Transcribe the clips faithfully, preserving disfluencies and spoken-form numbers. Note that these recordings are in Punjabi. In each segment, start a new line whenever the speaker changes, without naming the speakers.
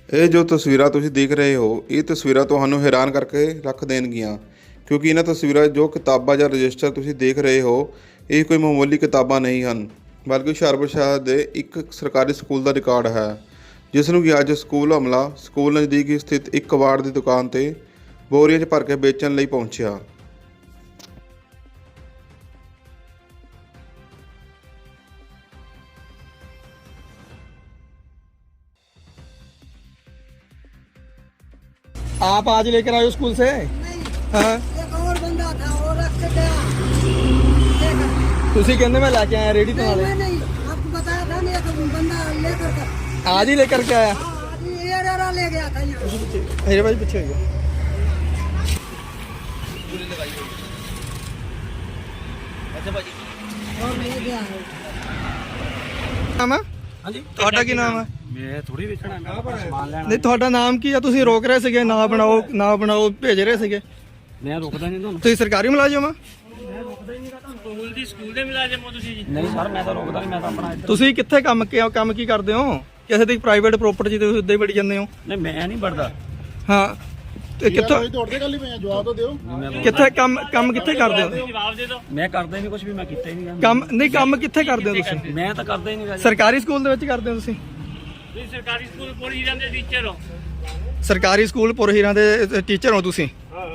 ਇਹ ਜੋ ਤਸਵੀਰਾਂ ਤੁਸੀਂ ਦੇਖ ਰਹੇ ਹੋ, ਇਹ ਤਸਵੀਰਾਂ ਤੁਹਾਨੂੰ ਹੈਰਾਨ ਕਰਕੇ ਰੱਖ ਦੇਣਗੀਆਂ, ਕਿਉਂਕਿ ਇਹਨਾਂ ਤਸਵੀਰਾਂ ਜੋ ਕਿਤਾਬਾਂ ਜਾਂ ਰਜਿਸਟਰ ਤੁਸੀਂ ਦੇਖ ਰਹੇ ਹੋ, ਇਹ ਕੋਈ ਮਾਮੂਲੀ ਕਿਤਾਬਾਂ ਨਹੀਂ ਹਨ, ਬਲਕਿ ਹੁਸ਼ਿਆਰਪੁਰ ਸ਼ਹਿਰ ਦੇ ਇੱਕ ਸਰਕਾਰੀ ਸਕੂਲ ਦਾ ਰਿਕਾਰਡ ਹੈ, ਜਿਸ ਨੂੰ ਕਿ ਅੱਜ ਸਕੂਲ ਹਮਲਾ ਸਕੂਲ ਨਜ਼ਦੀਕ ਹੀ ਸਥਿਤ ਇੱਕ ਕਬਾੜ ਦੀ ਦੁਕਾਨ ਤੇ ਬੋਰੀਆਂ 'ਚ ਭਰ ਕੇ ਵੇਚਣ ਲਈ ਪਹੁੰਚਿਆ।
आप आज लेकर आए हो स्कूल से? हाँ।
एक और बंदा था वो रख के गया।
तुसी कहने में लाके आया रेडी तो वाले?
नहीं नहीं आपको बताया था नहीं, एक बंदा लेकर कर
आज ही लेकर के आया?
हाँ, आज ये डेरा ले गया था यहाँ।
मेरे भाई पीछे हो गया।
और ले गया है।
ਨਾਮ ਹੈ?
ਹਾਂਜੀ
ਤੁਹਾਡਾ ਕੀ ਨਾਮ ਹੈ?
ਮੈਂ ਥੋੜੀ ਵੇਚਣਾ ਮੈਂ ਆਪਣਾ ਸਮਾਨ ਲੈਣਾ।
ਨਹੀਂ ਤੁਹਾਡਾ ਨਾਮ ਕੀ ਆ? ਤੁਸੀਂ ਰੋਕ ਰਹੇ ਸੀਗੇ ਨਾ ਬਣਾਓ ਨਾ ਬਣਾਓ ਭੇਜ ਰਹੇ ਸੀਗੇ।
ਮੈਂ ਰੁਕਦਾ ਨਹੀਂ ਤੁਹਾਨੂੰ।
ਤੁਸੀਂ ਸਰਕਾਰੀ ਮੁਲਾਜ਼ਮ ਆ?
ਸਕੂਲ ਦੀ ਸਕੂਲ ਦੇ ਮੁਲਾਜ਼ਮ ਹੋ ਤੁਸੀਂ ਜੀ? ਨਹੀਂ ਸਰ ਮੈਂ ਤਾਂ ਰੁਕਦਾ ਨਹੀਂ, ਮੈਂ ਤਾਂ ਆਪਣਾ ਇੱਧਰ।
ਤੁਸੀਂ ਕਿੱਥੇ ਕੰਮ ਕੀ ਕੰਮ ਕੀ ਕਰਦੇ ਹੋ? ਕਿਸੇ ਦੀ ਪ੍ਰਾਈਵੇਟ ਪ੍ਰਾਪਰਟੀ ਤੇ ਤੁਸੀਂ ਉੱਦਾਂ ਹੀ ਵੜੀ ਜਾਂਦੇ ਹੋ।
ਨਹੀਂ ਮੈਂ ਨਹੀਂ ਵੜਦਾ।
ਹਾਂ ਤੇ ਕਿੱਥੋਂ
ਦੌੜਦੇ ਗੱਲ ਹੀ ਪਏ ਆ, ਜਵਾਬ ਤਾਂ ਦਿਓ।
ਕਿੱਥੇ ਕੰਮ ਕੰਮ ਕਿੱਥੇ ਕਰਦੇ ਹੋ?
ਜਵਾਬ ਦੇ ਦਿਓ। ਮੈਂ ਕਰਦਾ ਹੀ ਨਹੀਂ ਕੁਝ ਵੀ, ਮੈਂ ਕੀਤਾ ਹੀ ਨਹੀਂ।
ਕੰਮ ਨਹੀਂ ਕੰਮ ਕਿੱਥੇ ਕਰਦੇ ਹੋ ਤੁਸੀਂ?
ਮੈਂ ਤਾਂ ਕਰਦਾ ਹੀ ਨਹੀਂ।
ਸਰਕਾਰੀ ਸਕੂਲ ਦੇ ਵਿੱਚ ਕਰਦੇ ਹੋ ਤੁਸੀਂ?
ਤੁਸੀਂ ਸਰਕਾਰੀ ਸਕੂਲ ਪੁਰ ਹੀਰਾਂ ਦੇ ਟੀਚਰ ਹੋ?
ਸਰਕਾਰੀ ਸਕੂਲ ਪੁਰ ਹੀਰਾਂ ਦੇ ਟੀਚਰ ਹੋ ਤੁਸੀਂ?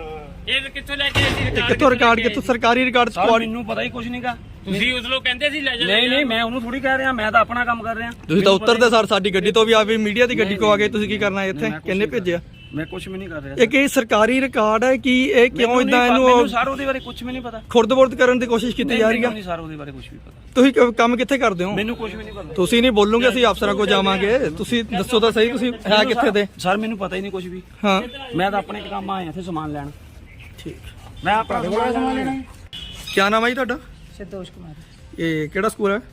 ਇਹ ਕਿੱਥੋਂ ਲੈ ਕੇ ਆਏ ਸੀ?
ਕਿੱਥੋਂ ਰਿਕਾਰਡ ਕਿੱਥੋਂ ਸਰਕਾਰੀ ਰਿਕਾਰਡ
ਸਰ ਮੈਨੂੰ ਪਤਾ ਹੀ ਕੁਝ ਨਹੀਂਗਾ। ਤੁਸੀਂ ਉਸ ਲੋਕ ਕਹਿੰਦੇ ਸੀ ਲੈ ਜਾ। ਨਹੀਂ ਨਹੀਂ ਮੈਂ ਉਹਨੂੰ ਥੋੜੀ ਕਹਿ ਰਿਹਾ, ਮੈਂ ਤਾਂ ਆਪਣਾ ਕੰਮ ਕਰ ਰਿਹਾ।
ਤੁਸੀਂ ਤਾਂ ਉੱਤਰਦੇ ਸਰ ਸਾਡੀ ਗੱਡੀ ਤੋਂ ਵੀ ਆ ਵੀ ਮੀਡੀਆ ਦੀ ਗੱਡੀ ਕੋ ਆ ਗਏ। ਤੁਸੀਂ ਕੀ ਕਰਨਾ ਇੱਥੇ? ਕਿੰਨੇ ਭੇਜਿਆ?
ਮੈਂ ਕੁਝ ਵੀ ਨਹੀਂ ਕਰ ਰਿਹਾ।
ਇਹ ਕੀ ਸਰਕਾਰੀ ਰਿਕਾਰਡ ਹੈ ਕਿ ਇਹ ਕਿਉਂ ਇਦਾਂ
ਮੈਨੂੰ
ਇਹਨੂੰ
ਸਰ ਉਹਦੇ ਬਾਰੇ ਕੁਝ ਵੀ ਨਹੀਂ ਪਤਾ।
ਖੁਰਦ-ਬੁਰਦ ਕਰਨ ਦੀ ਕੋਸ਼ਿਸ਼ ਕੀਤੀ ਜਾ ਰਹੀ ਹੈ?
ਨਹੀਂ ਸਰ ਉਹਦੇ ਬਾਰੇ ਕੁਝ ਵੀ ਪਤਾ।
ਤੁਸੀਂ ਕ- ਕੰਮ ਕਿੱਥੇ ਕਰਦੇ ਹੋ?
ਮੈਨੂੰ ਕੁਝ ਵੀ ਨਹੀਂ ਪਤਾ।
ਤੁਸੀਂ ਨਹੀਂ ਬੋਲੋਗੇ ਅਸੀਂ ਅਫਸਰਾਂ ਕੋਲ ਜਾਵਾਂਗੇ। ਤੁਸੀਂ ਦੱਸੋ ਤਾਂ ਸਹੀ ਤੁਸੀਂ ਹੈ ਕਿੱਥੇ ਦੇ?
ਸਰ ਮੈਨੂੰ ਪਤਾ ਹੀ ਨਹੀਂ ਕੁਝ ਵੀ।
ਹਾਂ
ਮੈਂ ਤਾਂ ਆਪਣੇ ਕੰਮ ਆਇਆ ਇੱਥੇ ਸਮਾਨ ਲੈਣ।
ਠੀਕ।
ਮੈਂ ਆਪਣਾ ਸਮਾਨ ਲੈਣਾ।
ਕੀ ਨਾਮ ਹੈ ਜੀ ਤੁਹਾਡਾ?
संतोष कुमार।
ਇਹ ਕਿਹੜਾ ਸਕੂਲ ਹੈ?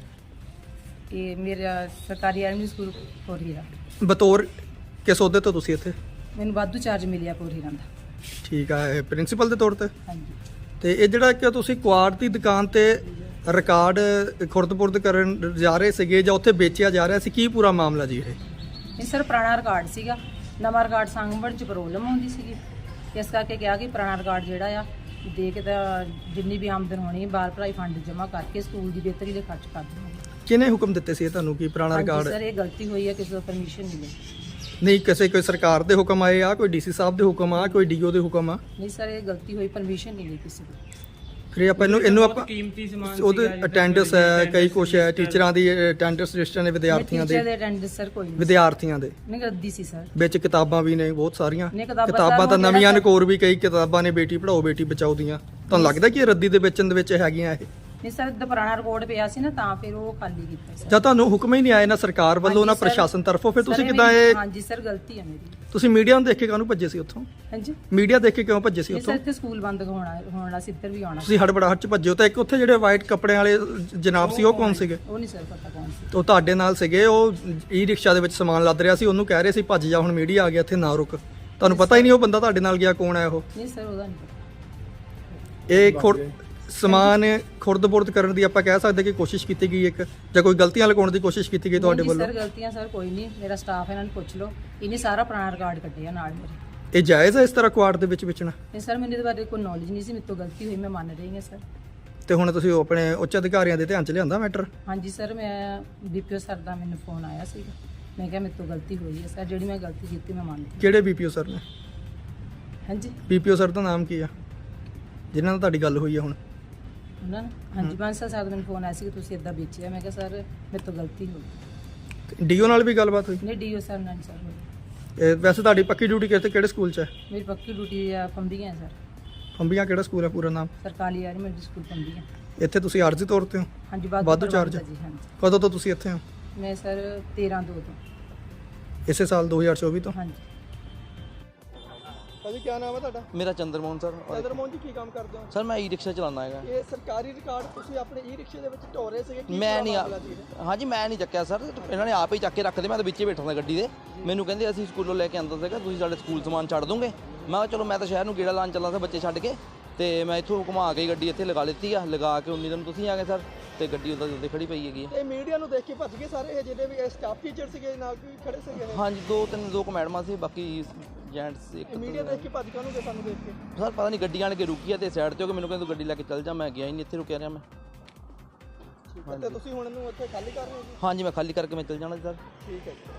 ये मेरा सरकारी आर्मी स्कूल पोरहीरा।
ਬਤੌਰ ਕਿਸ ਅਹੁਦੇ ਤੋਂ ਤੁਸੀਂ ਇੱਥੇ?
मैंने वाधू चार्ज मिलिया पोरहीरा का।
ਠੀਕ ਹੈ ਪ੍ਰਿੰਸੀਪਲ ਦੇ ਤੌਰ ਤੇ।
हाँ जी।
ਤੇ ਇਹ ਜਿਹੜਾ ਕਿ ਤੁਸੀਂ ਕੁਆੜ ਦੀ ਦੁਕਾਨ ਤੇ ਰਿਕਾਰਡ ਖੁਰਦ-ਬੁਰਦ ਕਰਨ ਜਾ ਰਹੇ ਸੀਗੇ ਜਾਂ ਉੱਥੇ ਵੇਚਿਆ ਜਾ ਰਿਹਾ ਸੀ, ਕੀ ਪੂਰਾ ਮਾਮਲਾ ਜੀ ਇਹ?
ਇਹ ਸਰ ਪੁਰਾਣਾ ਰਿਕਾਰਡ ਸੀਗਾ, ਨਵਾਂ ਰਿਕਾਰਡ ਸੰਗਵਣ ਚ ਪ੍ਰੋਬਲਮ ਹੁੰਦੀ ਸੀਗੀ, ਇਸ ਕਰਕੇ ਕਿਹਾ ਕਿ ਪੁਰਾਣਾ ਰਿਕਾਰਡ ਜਿਹੜਾ ਆ ਦੇ ਕੇ ਤਾਂ ਜਿੰਨੀ ਵੀ ਆਮਦਨ ਹੋਣੀ ਬਾਲ ਭਲਾਈ ਫੰਡ ਜਮ੍ਹਾਂ ਕਰਕੇ ਸਕੂਲ ਦੀ ਬਿਹਤਰੀ ਲਈ ਖਰਚ ਕਰ ਦੇਵਾਂਗੇ।
ਕਿਹਨੇ ਹੁਕਮ ਦਿੱਤੇ ਸੀ ਇਹ ਤੁਹਾਨੂੰ ਕਿ ਪੁਰਾਣਾ ਰਿਕਾਰਡ?
ਸਰ ਇਹ ਗਲਤੀ ਹੋਈ ਹੈ, ਕਿਸੇ ਤੋਂ ਪਰਮਿਸ਼ਨ ਨਹੀਂ ਲਈ।
ਨਹੀਂ ਕਿਸੇ ਕੋਈ ਸਰਕਾਰ ਦੇ ਹੁਕਮ ਆਏ ਆ, ਕੋਈ ਡੀਸੀ ਸਾਹਿਬ ਦੇ ਹੁਕਮ ਆ, ਕੋਈ ਡੀਓ ਦੇ ਹੁਕਮ ਆ?
ਨਹੀਂ ਸਰ ਇਹ ਗਲਤੀ ਹੋਈ, ਪਰਮਿਸ਼ਨ ਨਹੀਂ ਲਈ ਕਿਸੇ ਤੋਂ।
ਫਿਰ ਆਪਾਂ ਇਹਨੂੰ ਇਹਨੂੰ ਆਪਾਂ
ਕੀਮਤੀ ਸਮਾਨ
ਉਹਦੇ ਅਟੈਂਡੈਂਸ ਹੈ, ਕਈ ਕੁਛ ਹੈ, ਟੀਚਰਾਂ ਦੀ ਅਟੈਂਡੈਂਸ ਰਜਿਸਟਰ ਨੇ, ਵਿਦਿਆਰਥੀਆਂ
ਟੀਚਰ
ਦੇ
ਦੇ ਅਟੈਂਡੈਂਸ ਸਰ ਕੋਈ ਨਹੀਂ।
ਵਿਦਿਆਰਥੀਆਂ ਦੇ
ਨਹੀਂ ਰੱਦੀ ਸੀ ਸਰ।
ਵਿੱਚ ਕਿਤਾਬਾਂ ਵੀ ਨੇ ਬਹੁਤ ਸਾਰੀਆਂ।
ਨਹੀਂ, ਕਿਤਾਬਾਂ
ਕਿਤਾਬਾਂ ਤਾਂ
ਤਾਂ
ਨਵੀਆਂ
ਜਿਹੜਾ
ਨਕੋਰ ਵੀ ਕਈ ਕਿਤਾਬਾਂ ਨੇ, ਬੇਟੀ ਪੜਾਓ ਬੇਟੀ ਬਚਾਓ ਦੀਆਂ। ਤੁਹਾਨੂੰ ਲੱਗਦਾ ਕਿ ਇਹ ਰੱਦੀ ਦੇ ਵੇਚਣ ਦੇ ਵਿੱਚ ਹੈਗੀਆਂ ਇਹ?
ਨਹੀਂ ਸਰ ਦਾ ਪੁਰਾਣਾ ਰਿਕਾਰਡ ਪਿਆ ਸੀ ਨਾ, ਤਾਂ ਫਿਰ ਉਹ ਖਾਲੀ ਕੀਤਾ ਸਰ।
ਜਾਂ ਤੁਹਾਨੂੰ ਹੁਕਮ ਹੀ ਨਹੀਂ ਆਏ ਨਾ ਸਰਕਾਰ ਵੱਲੋਂ ਨਾ
ਹਾਂਜੀ ਸਰ।
ਪ੍ਰਸ਼ਾਸਨ ਤਰਫੋਂ, ਫਿਰ ਤੁਸੀਂ
ਸਰ,
ਕਿਦਾਂ
ਮੇਰੀ-
ਇਹ
ਹਾਂਜੀ ਸਰ ਗਲਤੀ ਹੈ ਮੇਰੀ।
ਤੁਸੀਂ ਮੀਡੀਆ ਨੂੰ ਦੇਖ ਕੇ ਕਾਹਨੂੰ ਭੱਜੇ ਸੀ ਉੱਥੋਂ?
ਹਾਂਜੀ
ਮੀਡੀਆ ਦੇਖ ਕੇ ਕਿਉਂ ਭੱਜੇ ਸੀ
ਇਹ ਸਰ
ਉੱਥੋਂ?
ਇੱਥੇ ਸਕੂਲ ਬੰਦ ਹੋਣਾ ਹੋਣਾ ਸੀ, ਇੱਧਰ ਵੀ ਆਉਣਾ ਸੀ।
ਤੁਸੀਂ ਹੜਬੜਾਹਟ ਚ ਭੱਜੇ ਹੋ। ਤਾਂ ਇੱਕ ਉੱਥੇ ਜਿਹੜੇ ਵਾਈਟ ਕੱਪੜਿਆਂ ਵਾਲੇ ਜਨਾਬ ਸੀ ਉਹ ਕੌਣ ਸੀਗੇ?
ਉਹ ਨਹੀਂ ਸਰ ਪਤਾ ਕੌਣ ਸੀ।
ਉਹ ਤੁਹਾਡੇ ਨਾਲ ਸੀਗੇ, ਉਹ ਈ ਰਿਕਸ਼ਾ ਦੇ ਵਿੱਚ ਸਮਾਨ ਲੱਦ ਰਿਹਾ ਸੀ, ਉਹਨੂੰ ਕਹਿ ਰਹੇ ਸੀ ਭੱਜ ਜਾ, ਹੁਣ ਮੀਡੀਆ ਆ ਗਿਆ ਇੱਥੇ ਨਾ ਰੁਕ। ਤੁਹਾਨੂੰ ਪਤਾ ਹੀ ਨਹੀਂ ਉਹ ਬੰਦਾ ਤੁਹਾਡੇ ਨਾਲ ਗਿਆ ਕੌਣ ਹੈ ਉਹ?
ਨਹੀਂ ਸਰ ਉਹਦਾ ਨਹੀਂ ਪਤਾ।
ਇਹ ਖੁਰ ਸਮਾਨ ਖੁਰਦ-ਬੁਰਦ ਕਰਨ ਦੀ ਆਪਾਂ ਕਹਿ ਸਕਦੇ ਕਿ ਕੋਸ਼ਿਸ਼ ਕੀਤੀ ਗਈ ਇੱਕ, ਜਾਂ ਕੋਈ ਗਲਤੀਆਂ ਲਗਾਉਣ ਦੀ ਕੋਸ਼ਿਸ਼ ਕੀਤੀ ਗਈ ਤੁਹਾਡੇ
ਨਹੀਂ
ਵੱਲੋਂ?
ਸਰ ਗਲਤੀਆਂ ਸਰ ਕੋਈ ਨਹੀਂ, ਮੇਰਾ ਸਟਾਫ ਇਹਨਾਂ ਨੂੰ ਪੁੱਛ ਲਓ, ਇਹਨੇ ਸਾਰਾ ਪੁਰਾਣਾ ਰਿਕਾਰਡ ਕੱਢਿਆ ਨਾਲ ਮੇਰੇ।
ਇਹ ਜਾਇਜ਼ ਹੈ ਇਸ ਤਰ੍ਹਾਂ ਕੁਆੜ ਦੇ ਵਿੱਚ ਵੇਚਣਾ?
ਨਹੀਂ ਸਰ ਮੈਨੂੰ ਇਹਦੇ ਬਾਰੇ ਕੋਈ ਨੌਲੇਜ ਨਹੀਂ ਸੀ, ਮੇਰੇ ਤੋਂ ਗਲਤੀ ਹੋਈ, ਮੈਂ ਮੰਨ ਰਹੀ ਹਾਂ ਸਰ।
ਤੇ ਹੁਣ ਤੁਸੀਂ ਉਹ ਆਪਣੇ ਉੱਚ ਅਧਿਕਾਰੀਆਂ ਦੇ ਧਿਆਨ ਚ ਲਿਆਂਦਾ ਮੈਟਰ?
ਹਾਂਜੀ ਸਰ ਮੈਂ ਬੀਪੀਓ ਸਰ ਦਾ ਮੈਨੂੰ ਫੋਨ ਆਇਆ ਸੀਗਾ, ਮੈਂ ਕਿਹਾ ਮੇਰੇ ਤੋਂ ਗਲਤੀ ਹੋਈ ਹੈ ਸਰ, ਜਿਹੜੀ ਮੈਂ ਗਲਤੀ ਕੀਤੀ ਮੈਂ ਮੰਨਦੀ।
ਕਿਹੜੇ ਬੀਪੀਓ ਸਰ ਨੇ?
ਹਾਂਜੀ
ਬੀਪੀਓ ਸਰ ਦਾ ਨਾਮ ਕੀ ਆ ਜਿਨ੍ਹਾਂ ਨਾਲ ਤੁਹਾਡੀ ਗੱਲ ਹੋਈ ਹੈ ਹੁਣ?
ਉਹਨਾਂ ਨੇ ਹਾਂਜੀ ਬਾਂਸਾ ਸਾਹਿਬ ਦਾ ਮੈਨੂੰ ਫੋਨ ਆਇਆ ਸੀ ਕਿ ਤੁਸੀਂ ਇਦਾਂ ਵੇਚਿਆ, ਮੈਂ ਕਿਹਾ ਸਰ ਮੇਰੇ ਤੋਂ ਗਲਤੀ ਹੋ ਗਈ।
ਡੀਓ ਨਾਲ ਵੀ ਗੱਲਬਾਤ ਹੋਈ?
ਨਹੀਂ ਡੀਓ ਸਰ ਨਾਲ ਨਹੀਂ ਸਰ ਹੋਈ।
ਇਹ ਵੈਸੇ ਤੁਹਾਡੀ ਪੱਕੀ ਡਿਊਟੀ ਕਿਤੇ ਕਿਹੜੇ ਸਕੂਲ 'ਚ ਹੈ?
ਮੇਰੀ ਪੱਕੀ ਡਿਊਟੀ ਆ ਫੰਬੀਆਂ ਸਰ,
ਫੰਬੀਆਂ ਕਿਹੜਾ ਸਕੂਲ ਹੈ ਪੂਰਾ ਨਾਮ?
ਸਰਕਾਰੀ ਆਰਮੀ ਸਕੂਲ ਫੰਬੀਆਂ।
ਇੱਥੇ ਤੁਸੀਂ ਆਰਜ਼ੀ ਤੌਰ ਤੇ ਹੋ?
ਹਾਂਜੀ
ਵਾਧੂ
ਵਾਧੂ
ਚਾਰਜ?
ਜੀ ਹਾਂਜੀ।
ਕਦੋਂ ਤੋਂ ਤੁਸੀਂ ਇੱਥੇ ਹੋ?
ਮੈਂ ਸਰ ਤੇਰਾਂ ਦੋ ਤੋਂ।
ਇਸੇ ਸਾਲ ਦੋ ਹਜ਼ਾਰ ਚੌਵੀ ਤੋਂ?
ਹਾਂਜੀ
ਭਾਜੀ ਕੀ ਨਾਮ ਹੈ ਤੁਹਾਡਾ?
मेरा चंद्रमोहन सर।
ਚੰਦਰਮੋਹਨ ਜੀ ਕੀ ਕੰਮ ਕਰਦੇ ਹੋ?
सर मैं ई रिक्शा चलाना है।
ਇਹ ਸਰਕਾਰੀ ਰਿਕਾਰਡ ਤੁਸੀਂ ਆਪਣੇ ਈ ਰਿਕਸ਼ੇ ਦੇ ਵਿੱਚ ਢੋ ਰਹੇ ਸੀਗੇ, ਕੀ
मैं
ਪੂਰਾ
नहीं
ਮਾਮਲਾ ਜੀ ਇਹ?
हाँ जी मैं नहीं ਚੱਕਿਆ ਸਰ, ਇਹਨਾਂ ਨੇ ਆਪ ਹੀ ਚੱਕ ਕੇ ਰੱਖਦੇ। ਮੈਂ ਤਾਂ ਵਿੱਚੇ ਬੈਠਾ ਸੀ ਗੱਡੀ ਦੇ, ਮੈਨੂੰ ਕਹਿੰਦੇ ਅਸੀਂ ਸਕੂਲੋਂ ਲੈ ਕੇ ਆਂਦਾ ਸੀਗਾ, ਤੁਸੀਂ ਸਾਡੇ ਸਕੂਲ ਸਮਾਨ ਛੱਡ ਦੋਗੇ। ਮੈਂ ਕਿਹਾ ਚਲੋ ਮੈਂ ਤਾਂ ਸ਼ਹਿਰ ਨੂੰ ਗੇੜਾ ਲਾਉਣ ਚੱਲਾ ਸੀ ਬੱਚੇ ਛੱਡ ਕੇ, ਤੇ ਮੈਂ ਇੱਥੋਂ ਘੁਮਾ ਕੇ ਗੱਡੀ ਇੱਥੇ ਲਗਾ ਲਿੱਤੀ ਆ, ਲਗਾ ਕੇ ਉਨੀ ਦਿਨ ਤੁਸੀਂ ਆ ਗਏ ਸਰ, ਤੇ ਗੱਡੀ ਉਹਦਾ ਉੱਤੇ ਖੜੀ ਪਈ ਹੈਗੀ।
ਤੇ ਮੀਡੀਆ ਨੂੰ ਦੇਖ ਕੇ ਭੱਜ ਗਏ ਸਾਰੇ, ਇਹ ਜਿਹਦੇ ਵੀ ਸਟਾਫ ਟੀਚਰ ਸੀਗੇ ਨਾਲ ਵੀ ਖੜੇ ਸੀਗੇ?
ਹਾਂਜੀ, ਦੋ ਤਿੰਨ ਦੋ ਕੁ ਮੈਡਮਾਂ ਸੀ, ਬਾਕੀ ਜੈਂਟਸ ਇੱਕ।
ਮੀਡੀਆ ਦੇਖ ਕੇ ਭੱਜ ਕਾਹਨੂੰ ਗਏ ਸਾਨੂੰ ਦੇਖ ਕੇ?
ਸਰ ਪਤਾ ਨਹੀਂ, ਗੱਡੀ ਆਣ ਕੇ ਰੁਕੀ ਆ ਤੇ ਸਾਈਡ ਤੇ ਹੋ ਕੇ ਮੈਨੂੰ ਕਹਿੰਦੇ ਤੂੰ ਗੱਡੀ ਲੈ ਕੇ ਚੱਲ ਜਾ, ਮੈਂ ਗਿਆ ਹੀ ਨਹੀਂ, ਇੱਥੇ ਰੁਕਿਆ ਰਿਹਾ ਮੈਂ।
ਤੇ ਤੁਸੀਂ ਹੁਣ ਇਹਨੂੰ ਇੱਥੇ ਖਾਲੀ ਕਰ ਰਹੇ ਹੋ ਜੀ?
ਹਾਂਜੀ, ਮੈਂ ਖਾਲੀ ਕਰਕੇ ਮੈਂ ਚੱਲ ਜਾਣਾ ਸਰ।
ਠੀਕ ਹੈ ਜੀ।